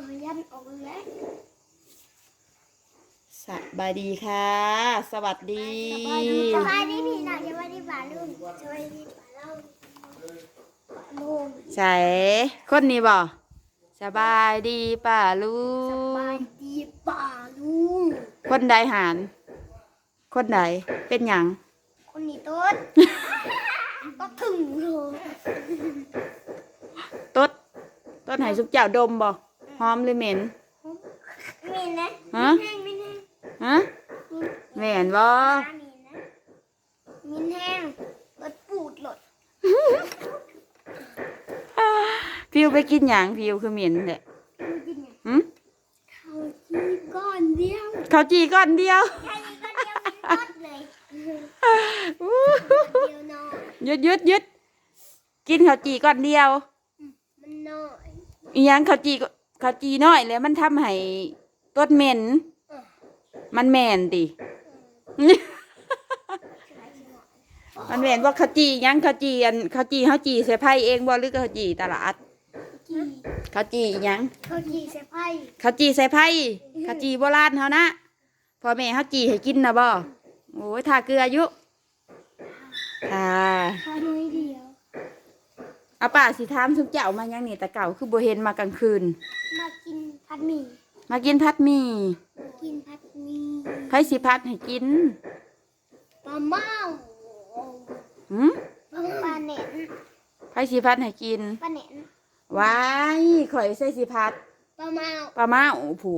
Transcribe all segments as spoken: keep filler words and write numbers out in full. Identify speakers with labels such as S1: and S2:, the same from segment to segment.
S1: ยันออกแล้ว
S2: สบายดีค่ะ สวัสดี
S1: สบายดีพี่น้องสบายดีป่าลุงสบายดีป่าเล่าป่าลุง
S2: ใส่คนนี้บ่สบายดีป่าลุ
S1: ส
S2: ง
S1: บายดีป่าลุง
S2: คนใดหาร คนใดเป็นหยัง
S1: คนนี้ต้นก็ถึงเลย
S2: ต้นต้นไหสุกเจ้าดมบ่หอมหรือเหม็น
S1: มีนะ
S2: ฮะ
S1: มีแห้งมีแห้ง
S2: ฮะเหม็นบ่
S1: มีนะมีแห้งรถปูดหลด
S2: พิวไปกินหยังพิวคือเหม็นแหละ
S1: กินไง
S2: หึ
S1: เขาจีก้อนเดียว
S2: เขาจีก้อนเดียว
S1: แค่นี้ก็เดียวมีรถเลยเดียวน้อย
S2: หยุดหยุดหยุดกินข้าวจีก้อนเดียว
S1: มันน้อย
S2: อีหยังข้าวจีข้าวจีน้อยแล้วมันทำให้ต้นเหม็น มันแม่นติ มันแม่นว่าข้าวจีหยังข้าวจีอันข้าวจีข้าวจีใส่ไผ่เองบ่หรือข้าวจีตลาด
S1: จี
S2: ข้าวจีอีหยัง
S1: เขาจีใส่ไพ่
S2: ข้าวจีใส่ไผ่ข้าวจีโบราณเฮานะพ่อแม่ข้าวจีให้กินนะบ่โอ้ยทาเกลืออยู่ค่ะ
S1: ข้าน้อยเดียว
S2: เอาป้าสิถามซุมเจ้ามายังนี่แต่เก่าคือบ่เห็นมากลางคืน
S1: มากินผัดหมี่
S2: มากินพัดหมี่
S1: กินผัดหมี่
S2: ไผสิพัดให้กิน
S1: ปลาเมา
S2: หืม
S1: ปลาเน็น
S2: ไผสิพัดให้กิน
S1: ปลาเน็น
S2: ว้ายข่อยใส่สิพัด
S1: ปลาเมา
S2: ปลามาโอ้ผู้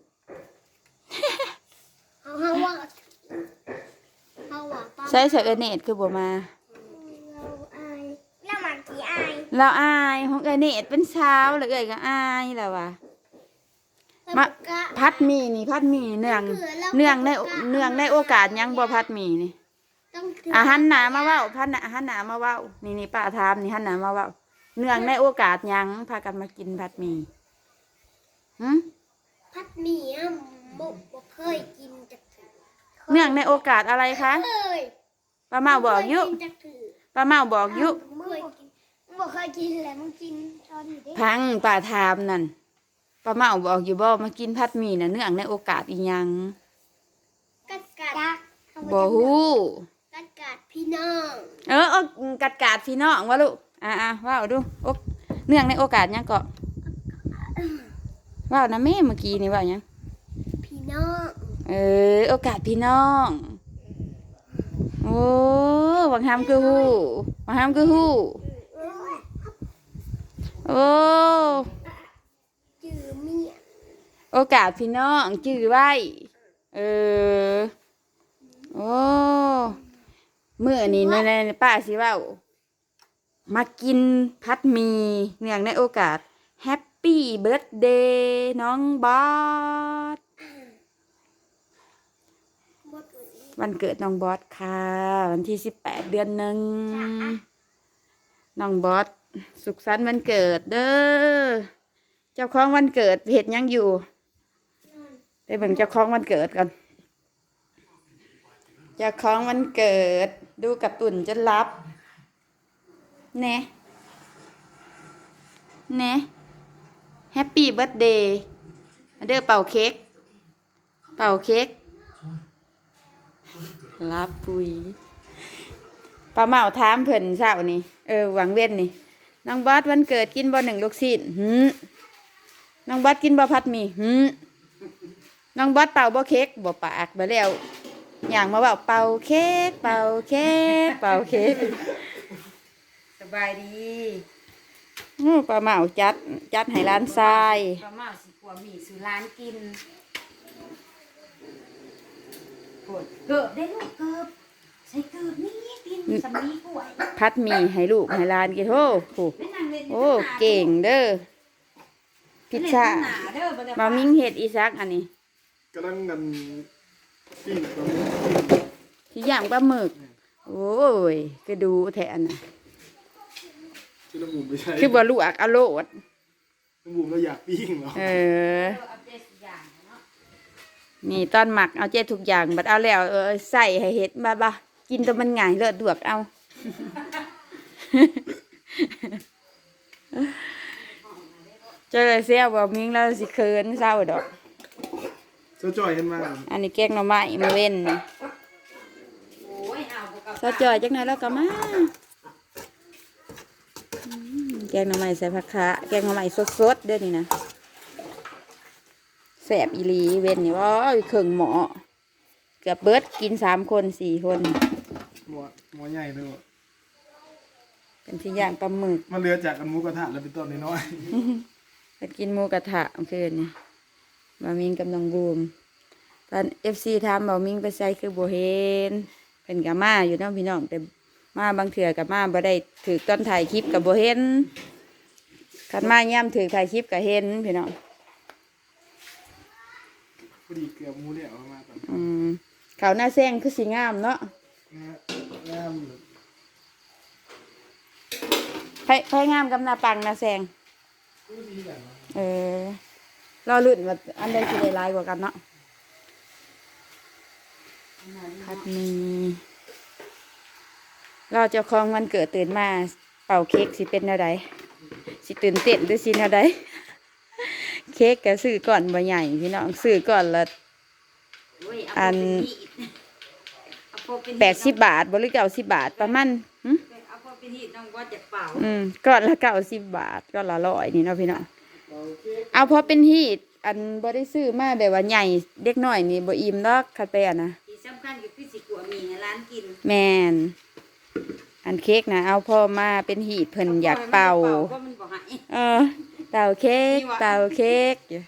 S1: เอาเฮาว่าเฮาว่าปลา
S2: ใส่ใส่เอเนตคือบ่มา
S1: เราอายเรามากี่อาย
S2: เราอายของเอเนตเป็นเช้าแล้วเอ้ยก็อายแล้วว่ะ มา พัดหมี่นี่พัดหมี่เนื่องเนื่องในเนื่องในโอกาสหยังบ่พัดหมี่นี่
S1: ต้องถื
S2: อาหารหนามาเว้าพัดหนาอาหารหนามาเว้านี่นี่ป้าถามนี่หันหนามาเว้าเนื่องในโอกาสหยังพากันมากินพัดหมี่หึ
S1: ผัดหมี่อ่ะบ่บ่เคยกินจักถือ
S2: เนื่องในโอกาสอะไรคะ
S1: เคย
S2: ป้าเมาบอกอยุ
S1: บ่เคกินจักถือ
S2: ป้าเมาบอกอยุ
S1: มึงเคยกินมึงบ่เคยกินแหละมึงกินตอนอยู่เด้
S2: พังป้าถามนั่นป้าเมาบอกอยู่บ่มากินพัดหมี่น่ะเนื่องในโอกาสอีหยัง
S1: กัดกัด
S2: บ่ฮู้
S1: กัดกัดพี่น้อง
S2: เออเอากัดกาดพี่น้องว่าลูกอ่าๆว้าวดูโอกเนื่องในโอกาสหยังก็ว้าวนะแม่เมื่อกี้นี่ว่าหยัง
S1: พี่น้อง
S2: เออโอกาสพี่น้องโอ้บางคำคือฮู้บางคำคือฮู้โอ้
S1: จือเมีย
S2: โอกาสพี่น้องจื้อไว้เออโอ้เมื่อนี้ในในป้าสิเว่ามากินพัดหมีเนื่องในโอกาสแฮปปี้เบิร์ a เดย์น้องบอส
S1: หมดเลย
S2: วันเกิดน้องบอสค่ะ วันที่สิบแปดเดือนหนึ่งน้องบอสสุขสันต์วันเกิดเด้อเจ้าของวันเกิดเห็ดหยังอยู่ไปเบิ่งเจ้าของวันเกิดกันเจ้าของวันเกิดดูการ์ตูนจนรับแน่แน่แฮปปี้เบิร์ a เดย์เด้อเป่าเค้กเป่าเค้กรับปุยป้าเมาถามเพิ่นเช้านี่เออหวังเว้นนี่น้องบอสวันเกิดกินบ่หนึ่งลูกชิ้นหืมน้องบอสกินบ่พัดหมี่หืมน้องบอสเป่าบ่เค้กบ่ปากบ่แล้วอย่างมาเป่าเป่าเค้กเป่าเค้กเป่าเค้กสบายดีอื้อป้าเมาจัดจัดให้ร้านทรายป้าเมาสิกลัวหมี่สู่ร้านกินเกิบได้ลูกเกิบใส่เกิบนี่กินสำลีกล้วยพัดหมี่ให้ลูกให้หลานกินโอ้โหโอ้เก่งเด้อพิชชามามิ่งเห็ดอีซักอันนี้
S3: กำลังกันปิ้งตัว
S2: ที่ย่างปลาหมึกโอ้ยก็ดูแทนน่ะ
S3: ที่น้ำบุ๋มไม่ใช่
S2: คือบ่ลวกเอาโลด
S3: น้ำบุ๋มเราอยากปิ้งเหรอ
S2: เออนี่ตอนหมักเอาเจ็ดทุกอย่างบัดเอาแล้วเออใส่ให้เห็ดบ้าบ้ากินตัวมันง่ายเลือดดวกเอา อเจอเสียบ่มิงแล้วสิเขินเศร้าดอก
S3: เจ้าจ่อยเห็นมา
S2: อันนี้แกงหน่อไม้มาเว้นนี่ซาจอยจักหน่อยแล้วก็มาอืมแกงหน่อไม้ใส่ผักคะแกงหน่อไม้สดๆเด้อนี่นะแสบอีหลีเว้นนี่ว่าเครื่องหมอเกือบเบิดกินสามคนสี่คน
S3: หมอหมอใหญ่เลย
S2: เป็นที่ย่างปลาหมึก
S3: มันเรือจากกันหมูกระทะแล้วเป็นต้นน้อย
S2: เป็นกินหมูกระทะเมื่อคืนนี่มามิงกำลังบูมตอนเอฟซีถามบอกมิงไปใส่คือโบเห็นเป็นกับมาอยู่เน้องพี่น้องแต่มาบางเถื่อกับมาบ่ได้ถือต้นถ่ายคลิปกับโบเห็นขันมาย่ำถือถ่ายคลิปกับเห็นพี่น้อง
S3: ๆพอดีเกือบหมูเนี่ยเอามาตอน
S2: อืมเขาวหน้าแซงคือสีงามเนาะ
S3: นะงาม
S2: ไผ่ไผ่งามกับหน้าปังหน้าแซง
S3: ผู้ดีแบบนั้น
S2: เออรอลุ่นว่าอันใดสิได้หลายกว่ากันเนาะพัดมีเราเจ้าของวันเกิดตื่นมาเป่าเค้กสิเป็นอะไรสิตื่นเต้นหรือสิอะไร เค้กก็ซื้อก่อนบ่ใหญ่พี่น้องซื้อก่อนละอันแปดสิบบาทบหริเก้าสิบบาทประมาณหึ
S4: เอาพอเป็นหีดน้องว่าจะเป่า
S2: อืมก่อนละเก้าสิบบาทก่อนละร้อยนี่เนาะพี่น้องเอาพอเป็นฮีตอันบ่ได้ซื้อมาแบบว่าใหญ่เด็กน้อยนี่บ่อิ่มดอกคัดไปอ่ะนะ
S4: ที่สำคัญก็คือสิกัวมีให้ร้านกิน
S2: แมนอันเค้กนะเอาพ่อมาเป็นหีตเพิ่นอยากเป่า
S4: ก็มันบอกให้
S2: เออเป่าเค้กเป่าเค้กอยู่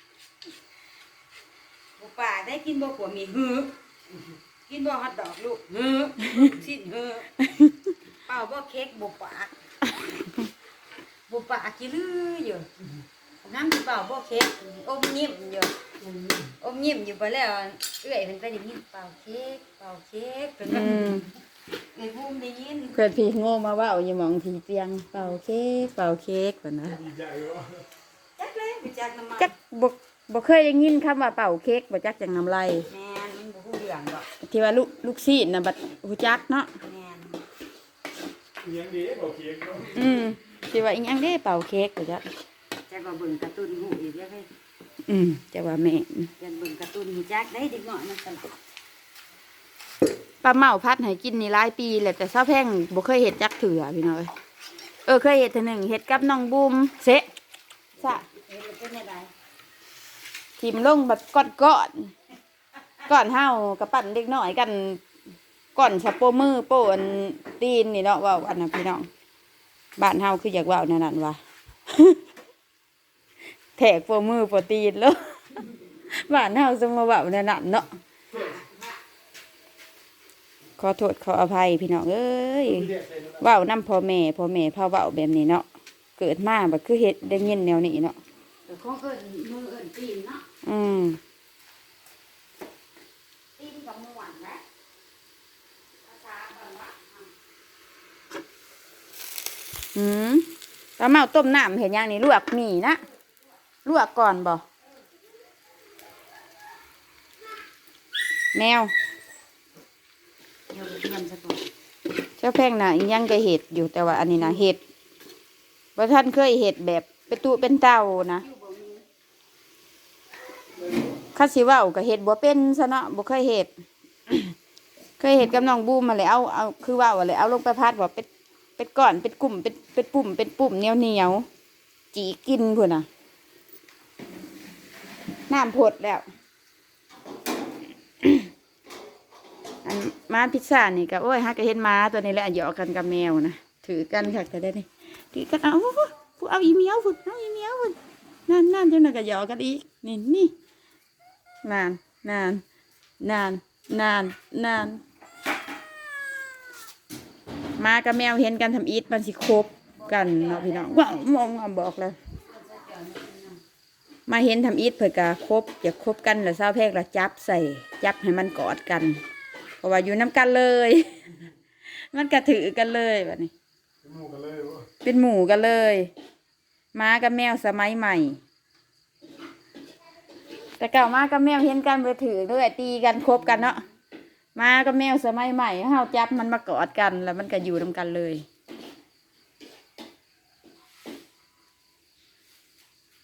S4: บุป่าได้กินบ่กัวมีฮือกินบ่ฮอทดอกลูกฮือสิ้นฮือเป่าบ่เค้กบุป่าบุป่ากินลืออยู่น้ำที่เป่าบ่เค้กอมยิ้มอยู่อมยิ้มอยู่ไปแล้วเอื้อยเพิ่นไปได้ยินเป่าเค้กเป่าเค้กเพิ่น
S2: อืม
S4: เอ้ยบูมได้ยิน
S2: เพื่อนพี่โง่มาเว่าอยู่หมองพี่เตียงเป่าเค้กเป่าเค้กแบบนะ
S3: ดีใจวะ
S4: จักเลยไปจักน้ำมัน
S2: จักบ่บ่เคยได้ยินคำว่าเป่าเค้กบ่จักจังน้ำลาย
S4: แม่นมันบ่ฮู้เรื่องดอก
S2: ที่ว่าลูกลูกซีดน่ะบัดฮู้จักเนาะ
S4: แม่น
S3: เลี้ยงดีบอกเค้กเนาะ
S2: อืมที่ว่าอีหยังเด้เป่าเค้กบ่จัก
S4: จักว่าเบิ่งการ์ตูนฮู้อีกแล้วเฮ้ย
S2: อืมจะว่าแม่น
S4: ยันเบิ่งการ์ตูนฮู้จักได้เด็กน้อยมันตลก
S2: ปลาเมาพัดให้กินนี่หลายปีแหละแต่เช้าแพงบ่เคยเฮ็ดจักเถื่อพี่น้อยเออเคยเฮ็ดเทื่อหนึงเฮ็ดกับน้องบูมเซะซะ
S4: เฮ็ดแล้วเป็นจังได๋
S2: ทิมลงแบบก้อนก้อนก้อนเฮากับปั่นเด็กน้อยกันก้อนสะโปมือโปอันตีนนี่เนาะเว่าอันนั้นพี่น้องบ้านเฮาคืออยากเว่านั่นนั่นว่า แทกโปมือโปตีนแล้วบ้านเฮาจะมาเว่านั่นนั่นเนาะขอโทษขออภัยพี่น้องเอ้ยเว้านํพ่อแม่พ่อแม่พาเว้าแบบนี้เนาะเกิดมาแบบคือเฮ็ดได้ยินแนวนี้เนาะ
S4: แต่ของเอิ้นมือเอิ้นตีนเนาะ
S2: อืม
S4: ตีนกับม่วนนะภาษาบ้านว่า
S2: อืมปลาเมาต้มน้ำเห็นยังนี่ลวกหมี่นะลวกก่อนบ่แมว
S4: เดี๋ยวเตรียมซะก่อน
S2: เจ้าแพงน่ะอีหยังก็เห็ดอยู่แต่ว่าอันนี้นะเห็ดว่าท่านเคยเห็ดแบบเป็นตู้เป็นเต่านะข้าสิเว่าก็เห็ดบ่เป็นซะเนาะบ่เคยเห็ด เคยเห็ดกับน้องบูมมาเลยเอาเอาคือเว่าอะไรเอาลงไปพัดว่าเป็นเป็นก้อนเป็นกลุ่มเป็นเป็นปุ่มเป็นปุ่มเหนียวเหนียวๆจีกินพุ่นน่ะน้ำพดแล้ว อันม้าพิซซ่านี่ก็โอ้ยฮักก็เห็นม้าตัวนี้แหละหยอกกันกับแมวนะถือกันค่ะแต่ได้นี่ถือกันเอาผู้เอาอีเมียวพุ่นเอาอีเมียวพุ่นนั่นนั่นจังนั้นก็หยอกกันอีกนี่นี่นานนานนานนานนานม้ากับแมวเห็นกันทำอีทมันสิคบกันเนาะพี่น้องว้าวมองมาบอกเลยมาเห็นทำอีทเผื่อกะคบอยากคบกันแล้วเศร้าแพกละจับใส่จับให้มันกอดกันเพราะว่าอยู่น้ำกันเลย มันกระถือกันเลยแบบนี้
S3: หมูกันเลยวะ
S2: เป็นหมู่กันเลยม้ากับแมวสมัยใหม่ แต่เก่าม้ากับแมวเห็นกันไปถือเลยตีกันคบกันเนาะม้ากับแมวสมัยใหม่เฮาจับมันมากอดกันแล้วมันก็อยู่น้ำกันเลย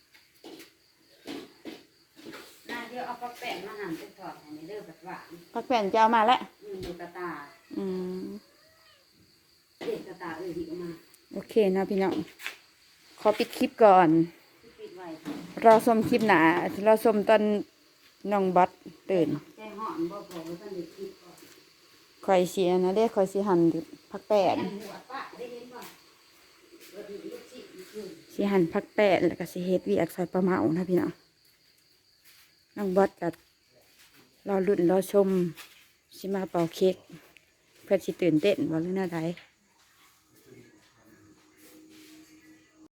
S4: เอาปลาแป้งมาหั่นเป็นทอดให้ในเด้อบัดหวาน
S2: พักแผ่นจะเอามาแล้ว
S4: อืมอยู่กระตา
S2: อืม
S4: เด็กกระตาเอ้ยที่เอามา
S2: โอเคนะพี่น้องขอปิดคลิปก่อน
S4: ที่ปิดไว้
S2: รอชมคลิปหนารอชมตอนน้องบอสตื่น
S4: แจ้งห่อนบ่พอว่าท่านได้คิดก่อน
S2: คอยเสียนะเด้คอยสิหันพักแปด
S4: แอนหัวป้าได้เห็นบ่บ่ดีลูกศิษย์คือ
S2: สิหันพักแปดแล้วก็สิเฮ็ดเวียกซอยปลาเมานะพี่น้องน้องบอสกับรอรุ่นรอชมสิมาเป่าเค้กเพื่อสิตื่นเต้นว่าเรื่องอะไร